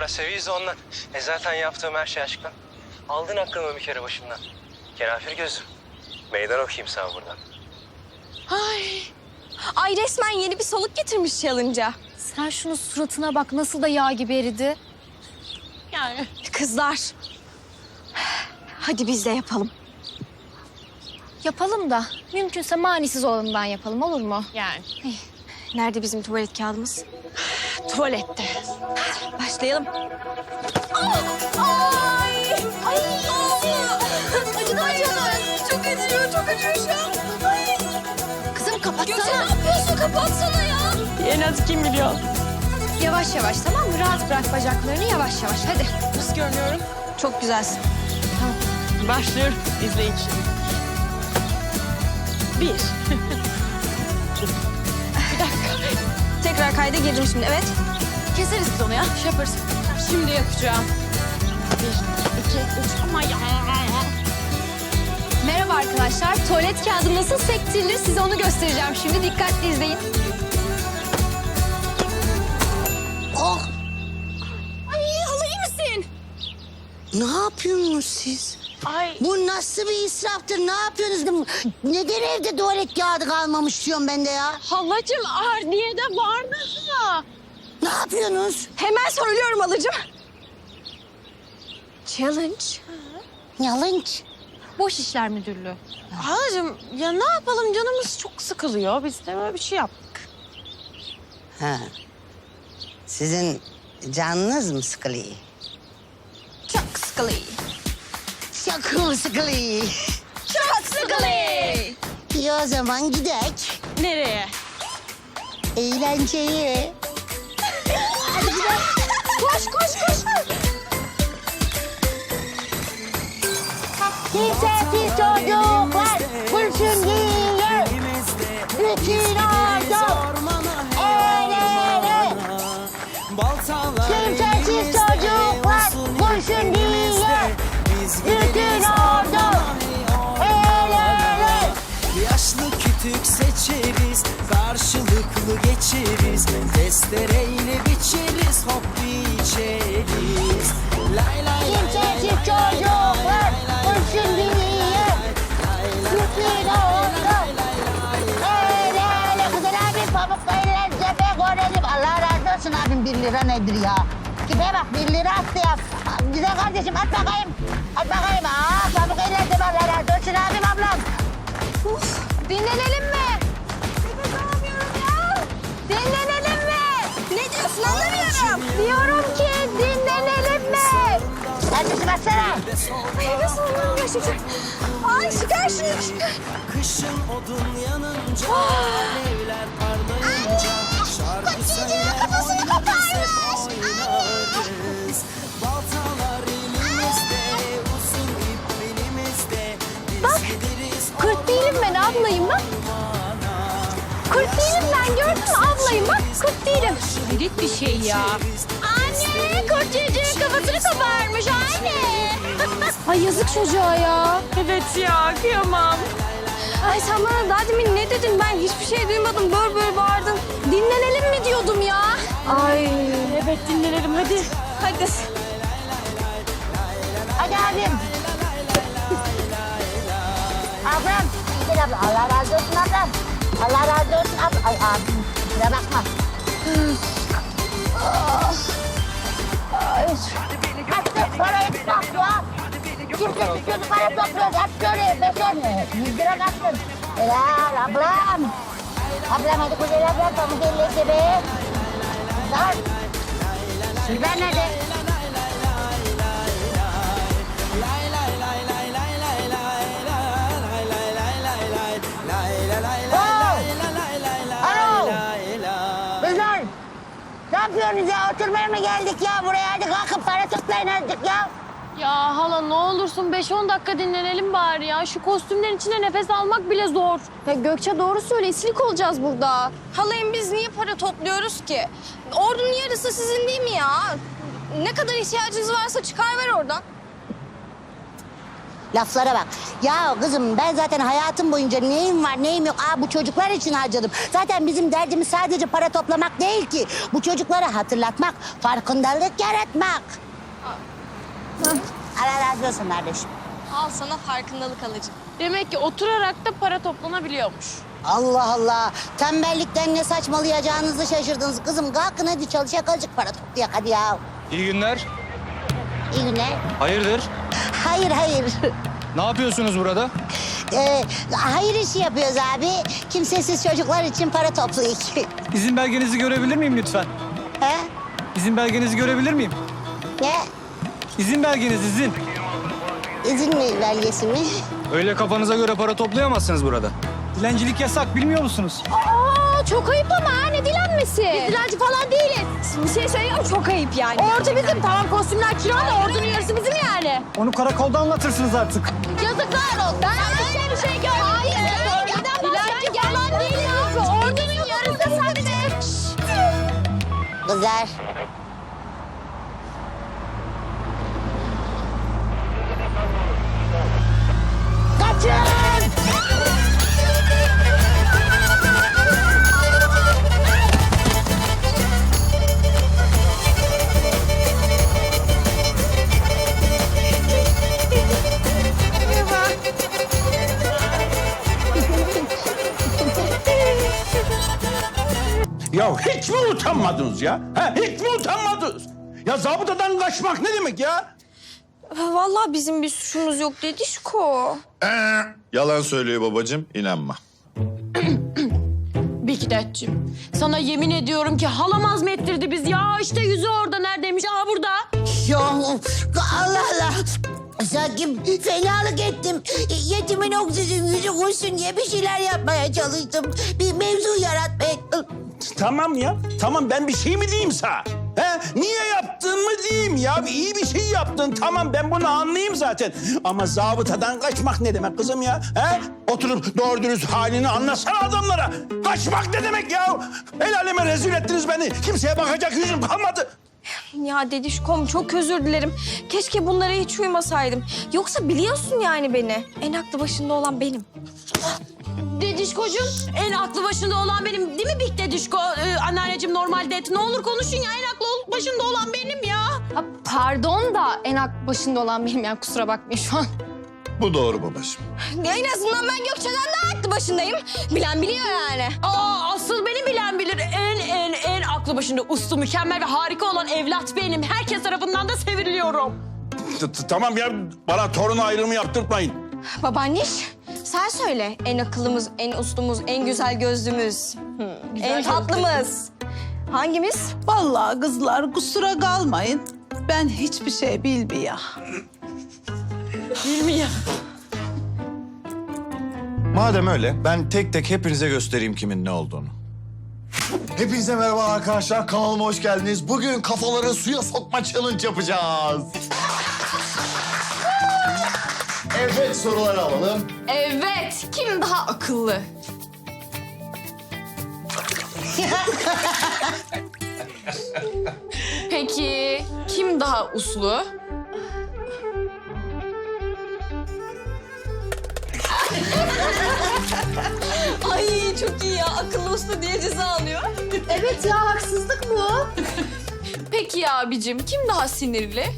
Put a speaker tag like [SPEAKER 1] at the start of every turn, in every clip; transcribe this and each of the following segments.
[SPEAKER 1] biraz seviyiz de ondan. Zaten yaptığım her şey aşktan. Aldın aklımı bir kere başımdan. Kenafir gözüm. Meydan okuyayım sana buradan.
[SPEAKER 2] Ay resmen yeni bir soluk getirmiş challenge'a.
[SPEAKER 3] Sen şunun suratına bak nasıl da yağ gibi eridi.
[SPEAKER 2] Yani. Kızlar. Hadi biz de yapalım.
[SPEAKER 3] Yapalım da mümkünse manisiz olanından yapalım, olur mu?
[SPEAKER 2] Yani. Nerede bizim tuvalet kağıdımız? Tuvalette. Başlayalım. Ay! Ay! Acıdı acıdı. Çok acıyor, çok acıyor şu an. Ay!
[SPEAKER 3] Kızım kapatsana.
[SPEAKER 2] Gökçe ne yapıyorsun? Kapatsana ya. En az 2 milyon.
[SPEAKER 3] Yavaş yavaş, tamam mı? Rahat bırak bacaklarını, yavaş yavaş. Hadi.
[SPEAKER 2] Nasıl görünüyorum?
[SPEAKER 3] Çok güzelsin.
[SPEAKER 2] Başlıyorum. İzleyin şimdi. 1. Bir dakika. Tekrar kayda girdim şimdi, evet.
[SPEAKER 3] Keseriz biz onu ya. Şey yaparız.
[SPEAKER 2] Şimdi yapacağım. 1, 2, 3. Ama ya.
[SPEAKER 3] Merhaba arkadaşlar. Tuvalet kağıdı nasıl sektirilir size onu göstereceğim şimdi. Dikkatli izleyin.
[SPEAKER 4] Oh!
[SPEAKER 2] Ay hala iyi misin?
[SPEAKER 4] Ne yapıyorsunuz siz?
[SPEAKER 2] Ay.
[SPEAKER 4] Bu nasıl bir israftır? Ne yapıyorsunuz? Neden evde tuvalet kağıdı kalmamış diyorum ben de ya?
[SPEAKER 2] Halacığım Ardiye'de vardı ha.
[SPEAKER 4] Ne yapıyorsunuz?
[SPEAKER 2] Hemen söylüyorum halacığım. Challenge.
[SPEAKER 4] Yalınç.
[SPEAKER 3] Boş İşler Müdürlüğü.
[SPEAKER 2] Halacığım ya ne yapalım canımız çok sıkılıyor. Biz de böyle bir şey yaptık.
[SPEAKER 4] Ha. Sizin canınız mı sıkılıyor?
[SPEAKER 2] Çok sıkılıyor.
[SPEAKER 4] Çok mu sıkılıyor?
[SPEAKER 2] Çok sıkılıyor.
[SPEAKER 4] İyi o zaman gidek.
[SPEAKER 2] Nereye?
[SPEAKER 4] Eğlenceye.
[SPEAKER 2] Koş koş koş.
[SPEAKER 4] Kimsesiz çocuklar kurşun giyer. Bütün ordu el ele. Kimsesiz çocuklar kurşun giyer. Bütün ordu el ele.
[SPEAKER 5] Yaşlı kütük seçeriz, karşılıklı geçeriz. Testereyle biçeriz, hop içeriz. Lay lay lay
[SPEAKER 4] Kimsesiz çocuklar kurşun giyer. Bütün ordu el ele. Kızıl abi pamukla eller cephe görelim. Allah razı olsun abim 1 lira nedir ya? Tipe bak 1 lira attı ya. Güzel kardeşim at bakayım. At bakayım. Pamuk eller cephe Allah razı olsun abim ablam.
[SPEAKER 2] Dinlenelim mi? Nefes alamıyorum ya. Dinlenelim mi? Ne diyorsun anlamıyorum. Diyorum ki dinlenelim mi?
[SPEAKER 4] Kardeşim atsana.
[SPEAKER 2] Nefes alamıyorum gerçekten. Ay çıkar şunu çıkar.
[SPEAKER 5] kışın odun yanınca, alevler parlayınca. Şarkı söyler oynarız, hep oynarız. Baltalar elimizde, uzun ip belimizde. Biz gideriz
[SPEAKER 3] Kurt değilim ben, ablayım bak. Kurt değilim ben, gördün mü? Ablayım bak, kurt değilim.
[SPEAKER 2] Hayret bir şey ya. Anne kurt çocuğun kafasını koparmış anne.
[SPEAKER 3] Ay yazık çocuğa ya.
[SPEAKER 2] Evet ya kıyamam.
[SPEAKER 3] Ay sen bana daha demin ne dedin? Ben hiçbir şey duymadım. Böyle bağırdın. Dinlenelim mi diyordum ya? Ay.
[SPEAKER 2] Evet dinlenelim hadi.
[SPEAKER 3] Hadi.
[SPEAKER 4] Hadi abim. Ablam. Gel abla. Allah razı olsun ablam. Allah razı olsun ablam. Ay abim. Kusura bakma. Hadi parayı topla. Kimse çocuklara topluyoruz. Hep şöyle beşer. 100 lira kaçtın. Helal ablam. Ablam hadi güzel ablam. Pamuk elleyse be. Kızlar. Sizler nerede? Alo. Kızlar. Ne yapıyorsunuz ya? Oturmaya mı geldik ya buraya? Hadi kalkın para toplayın azıcık ya.
[SPEAKER 3] Ya hala ne olursun 5-10 dakika dinlenelim bari ya. Şu kostümlerin içinde nefes almak bile zor. Ya Gökçe doğru söyle, isilik olacağız burada.
[SPEAKER 2] Halayım biz niye para topluyoruz ki? Ordunun yarısı sizin değil mi ya? Ne kadar ihtiyacınız varsa çıkar ver oradan.
[SPEAKER 3] Ya hala ne olursun 5-10 dakika dinlenelim bari ya. Şu kostümlerin içinde nefes almak bile zor. Ya Gökçe doğru söyle, isilik olacağız burada. Halayım biz niye para topluyoruz ki? Ordunun yarısı sizin değil mi ya? Ne kadar ihtiyacınız varsa çıkar ver oradan.
[SPEAKER 4] Laflara bak. Ya kızım ben zaten hayatım boyunca neyim var neyim yok. Bu çocuklar için harcadım. Zaten bizim derdimiz sadece para toplamak değil ki. Bu çocuklara hatırlatmak, farkındalık yaratmak. Allah razı olsun kardeşim.
[SPEAKER 2] Al sana farkındalık alıcı.
[SPEAKER 3] Demek ki oturarak da para toplanabiliyormuş.
[SPEAKER 4] Allah Allah. Tembellikten ne saçmalayacağınızı şaşırdınız. Kızım kalkın hadi çalışak azıcık para toplayak hadi ya.
[SPEAKER 6] İyi günler.
[SPEAKER 4] İyi günler.
[SPEAKER 6] Hayırdır?
[SPEAKER 4] Hayır hayır.
[SPEAKER 6] Ne yapıyorsunuz burada?
[SPEAKER 4] Hayır işi yapıyoruz abi. Kimsesiz çocuklar için para toplayık.
[SPEAKER 6] İzin belgenizi görebilir miyim lütfen?
[SPEAKER 4] He?
[SPEAKER 6] İzin belgenizi görebilir miyim?
[SPEAKER 4] Ne?
[SPEAKER 6] İzin belgeniz, izin.
[SPEAKER 4] İzin mi belgesi mi?
[SPEAKER 6] Öyle kafanıza göre para toplayamazsınız burada. Dilencilik yasak, bilmiyor musunuz?
[SPEAKER 3] Çok ayıp ama ha, ne dilenmesi? Biz dilenci falan değiliz. Bir şey söyleyeyim çok ayıp yani. Ordu bizim, tamam kostümler kira da ordunun yarısı bizim yani.
[SPEAKER 6] Onu karakolda anlatırsınız artık.
[SPEAKER 3] Yazıklar olsun. Ben bir şey görmedim. Hayır, dilenci falan değiliz. Ordunun yarısı sadece.
[SPEAKER 4] Kızlar. Kaçın!
[SPEAKER 7] Ya hiç mi utanmadınız ya? Ha, hiç mi utanmadınız? Ya zabıtadan kaçmak ne demek ya?
[SPEAKER 2] Vallahi bizim bir suçumuz yok Dedişko.
[SPEAKER 8] Yalan söylüyor babacığım, inanma.
[SPEAKER 3] Bikdetciğim, sana yemin ediyorum ki halam azmettirdi biz. Ya işte yüzü orada neredeymiş? Aa burada.
[SPEAKER 4] Ya Allah Allah. Sanki fenalık ettim. Yetimin oksijen yüzü kurşun diye bir şeyler yapmaya çalıştım. Bir mevzu yaratmaya...
[SPEAKER 7] Tamam ya, tamam ben bir şey mi diyeyim sana? He? Niye yaptın mı diyeyim ya? İyi bir şey yaptın, tamam ben bunu anlayayım zaten. Ama zabıtadan kaçmak ne demek kızım ya? He? Oturup doğru dürüst halini anlatsana adamlara. Kaçmak ne demek ya? El aleme rezil ettiniz beni. Kimseye bakacak yüzüm kalmadı.
[SPEAKER 2] Ya Dedişkom çok özür dilerim. Keşke bunlara hiç uymasaydım. Yoksa biliyorsun yani beni. En aklı başında olan benim.
[SPEAKER 3] Dedişkocuğum, en aklı başında olan benim değil mi Bik Dedişko? Anneanneciğim normalde ne olur konuşun ya, en aklı başında olan benim ya.
[SPEAKER 9] Pardon da en aklı başında olan benim yani kusura bakmayın şu an.
[SPEAKER 8] Bu doğru babacığım.
[SPEAKER 2] Ya en azından ben Gökçe'den daha aklı başındayım. Bilen biliyor yani.
[SPEAKER 3] Asıl beni bilen bilir. En aklı başında uslu, mükemmel ve harika olan evlat benim. Herkes tarafından da seviliyorum.
[SPEAKER 7] Tamam ya, bana torun ayrımı yaptırtmayın.
[SPEAKER 2] Babaanneş sen söyle. En akıllımız, en uslumuz, en güzel gözlümüz. En tatlımız. Hangimiz?
[SPEAKER 10] Vallahi kızlar kusura kalmayın. Ben hiçbir şey bilmiyorum.
[SPEAKER 8] Madem öyle, ben tek tek hepinize göstereyim kimin ne olduğunu. Hepinize merhaba arkadaşlar, kanalıma hoş geldiniz. Bugün kafaları suya sokma challenge yapacağız. Evet, soruları alalım.
[SPEAKER 9] Evet, kim daha akıllı? Peki kim daha uslu?
[SPEAKER 2] Ay çok iyi ya. Akıllı uslu diye ceza alıyor.
[SPEAKER 9] Evet ya haksızlık bu. Peki ya abicim kim daha sinirli?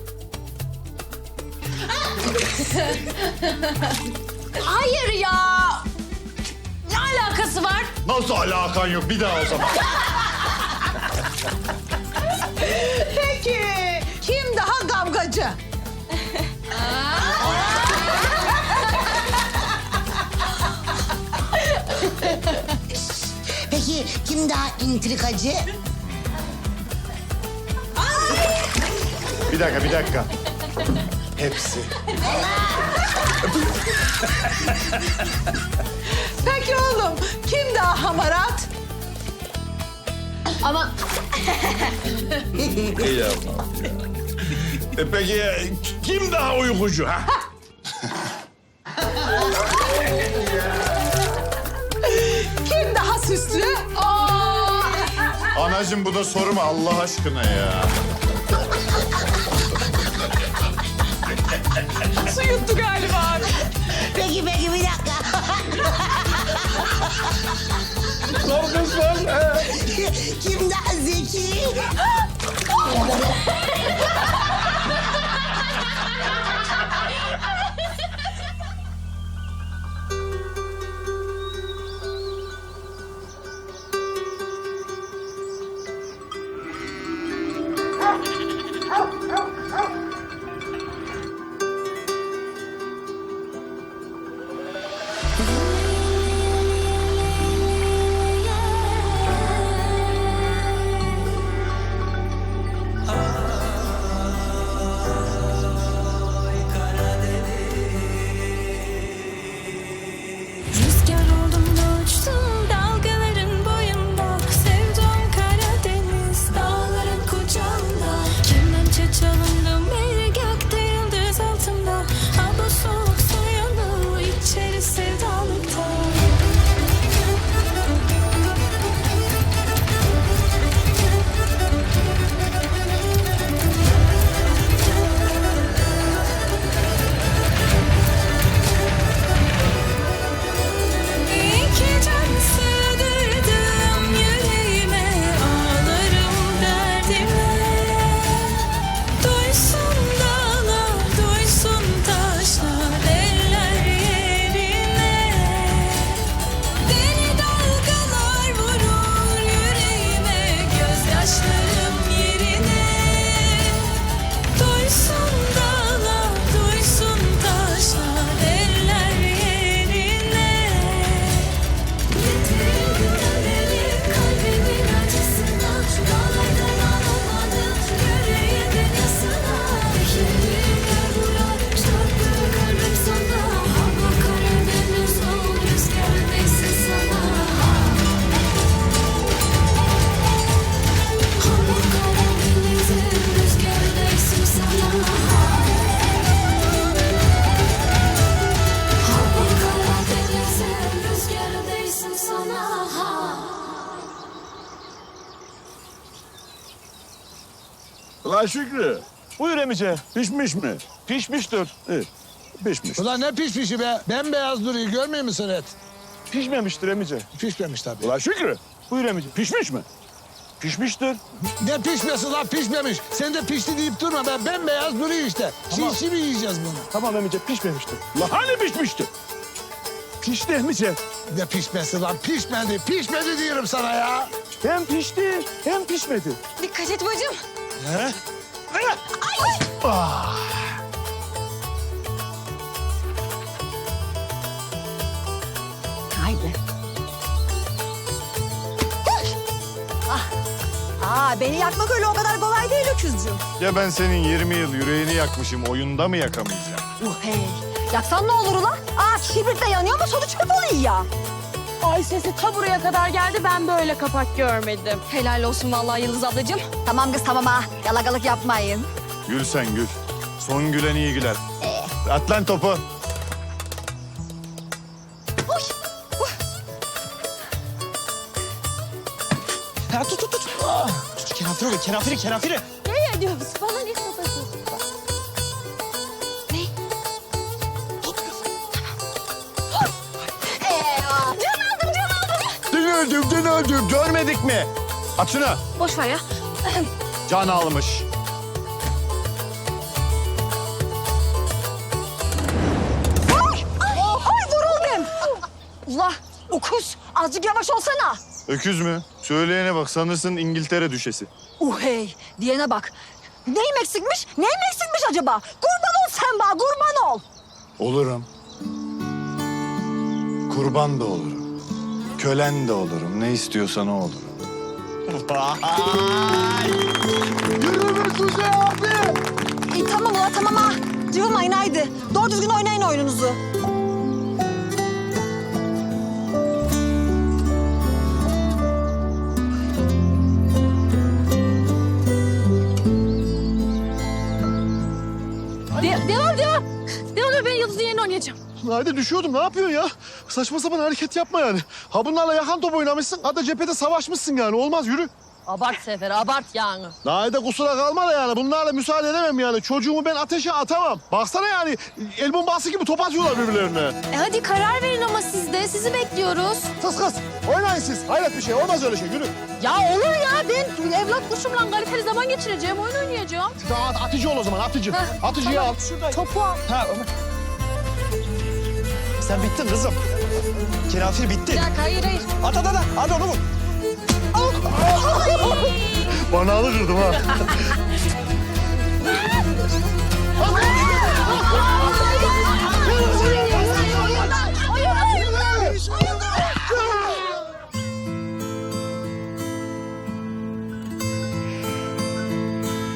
[SPEAKER 3] Hayır ya. Ne alakası var?
[SPEAKER 8] Nasıl alakan yok? Bir daha o zaman.
[SPEAKER 10] Peki kim daha kavgacı?
[SPEAKER 4] Peki kim daha intrikacı?
[SPEAKER 8] Bir dakika. Hepsi.
[SPEAKER 10] Peki oğlum kim daha hamarat?
[SPEAKER 9] Ama
[SPEAKER 8] İyi yapma.
[SPEAKER 7] Peki kim daha uykucu ha?
[SPEAKER 10] Kim daha süslü?
[SPEAKER 8] Anacığım bu da soru mu Allah aşkına ya?
[SPEAKER 9] Su yuttu galiba abi.
[SPEAKER 4] Peki bir dakika.
[SPEAKER 7] Korkunç var.
[SPEAKER 4] Kim daha zeki?
[SPEAKER 11] Rüzgar oldum da uçtum dalgaların boyunda. Sevdum Karadeniz dağların kucağında. Kemençe çalındım bir gökte yıldız altında. Al bu soğuk suyunu içeri sevdalıkta. İki can sığdırdım yüreğime, ağlarım derdime. Duysun dağlar, duysun taşlar, eller yerine. Deli dalgalar vurur yüreğime, gözyaşlarım yerine. Duysun dağlar, duysun taşlar, eller yerine. Getir güvenleri kalbimin acısına. Dağlardan alamadım yüreğimin yasına. Şehirler vurar çarpı kalbim sana. Hava Karadeniz ol rüzgar neyse sana. Hava Karadeniz'in rüzgar neyse sana. Hava Karadeniz'in rüzgar neyse sana.
[SPEAKER 7] Ulan Şükrü. Buyur emice. Pişmiş mi? Pişmiştir. Evet. Pişmiş.
[SPEAKER 12] Ulan ne pişmişi be? Bembeyaz duruyor, görmüyor musun et?
[SPEAKER 7] Pişmemiştir emice.
[SPEAKER 12] Pişmemiş tabii.
[SPEAKER 7] Ulan Şükrü. Buyur emice. Pişmiş mi? Pişmiştir.
[SPEAKER 12] Ne pişmesi lan, pişmemiş. Sen de pişti deyip durma be, bembeyaz duruyor işte.
[SPEAKER 7] Tamam.
[SPEAKER 12] Çiğ mi yiyeceğiz bunu?
[SPEAKER 7] Tamam emice pişmemiştir. Ulan hani pişmişti? Pişti emice.
[SPEAKER 12] Ne pişmesi lan, pişmedi. Pişmedi diyorum sana ya.
[SPEAKER 7] Hem pişti hem pişmedi.
[SPEAKER 2] Dikkat et bacım.
[SPEAKER 7] He?
[SPEAKER 2] Haydi. Beni yakmak öyle o kadar kolay değil öküzcüğüm.
[SPEAKER 8] Ya ben senin 20 yıl yüreğini yakmışım, oyunda mı yakamayacağım?
[SPEAKER 2] Hey. Yaksan ne olur ulan? Kibritle yanıyor ama sonuç hep oluyor ya.
[SPEAKER 3] Ay sesi ta buraya kadar geldi, ben böyle kapak görmedim.
[SPEAKER 2] Helal olsun vallahi Yıldız ablacığım. Tamam kız tamam ha. Yalakalık yapmayın.
[SPEAKER 8] Gül sen gül. Son gülen iyi güler. At lan topu.
[SPEAKER 1] Ha, tut. Tut kenafiri.
[SPEAKER 3] Ne ediyoruz bana, ne satıyorsun?
[SPEAKER 8] Dün öldüm. Görmedik mi? At şunu.
[SPEAKER 3] Boş ver ya.
[SPEAKER 8] Can almış.
[SPEAKER 2] Ay vuruldum. Ula okuz azıcık yavaş olsana.
[SPEAKER 8] Öküz mü? Söyleyene bak, sanırsın İngiltere düşesi.
[SPEAKER 2] Hey diyene bak. Neyim eksikmiş? Acaba? Kurban ol sen bana kurban ol.
[SPEAKER 8] Olurum. Kurban da olurum. Kölen de olurum. Ne istiyorsan o olurum.
[SPEAKER 2] Tamam ula tamam ha. Cıvımayın haydi. Doğru düzgün oynayın oyununuzu.
[SPEAKER 3] Devam. Ben Yıldız'ın yerine oynayacağım.
[SPEAKER 12] Haydi düşüyordum, ne yapıyorsun ya? Saçma sapan hareket yapma yani. Ha bunlarla yakan top oynamışsın, ha da cephede savaşmışsın yani. Olmaz, yürü.
[SPEAKER 3] Abart Sefer, abart yani.
[SPEAKER 12] Naide kusura kalma da yani bunlarla müsaade edemem yani. Çocuğumu ben ateşe atamam. Baksana yani el bombası gibi top atıyorlar birbirlerine.
[SPEAKER 3] Hadi karar verin ama siz de. Sizi bekliyoruz.
[SPEAKER 12] Kız oynayın siz. Hayret bir şey olmaz öyle şey yürü.
[SPEAKER 3] Ya olur ya, ben evlat kuşumla kaliteli zaman geçireceğim, oyun oynayacağım.
[SPEAKER 12] Atıcı ol o zaman atıcı. Atıcıyı al.
[SPEAKER 3] Topu al.
[SPEAKER 6] Ha Ömer. Sen bittin kızım. Kenafir bitti.
[SPEAKER 3] Bir dakika, hayır.
[SPEAKER 6] At. Hadi onu vur.
[SPEAKER 12] Banağını kırdım ha.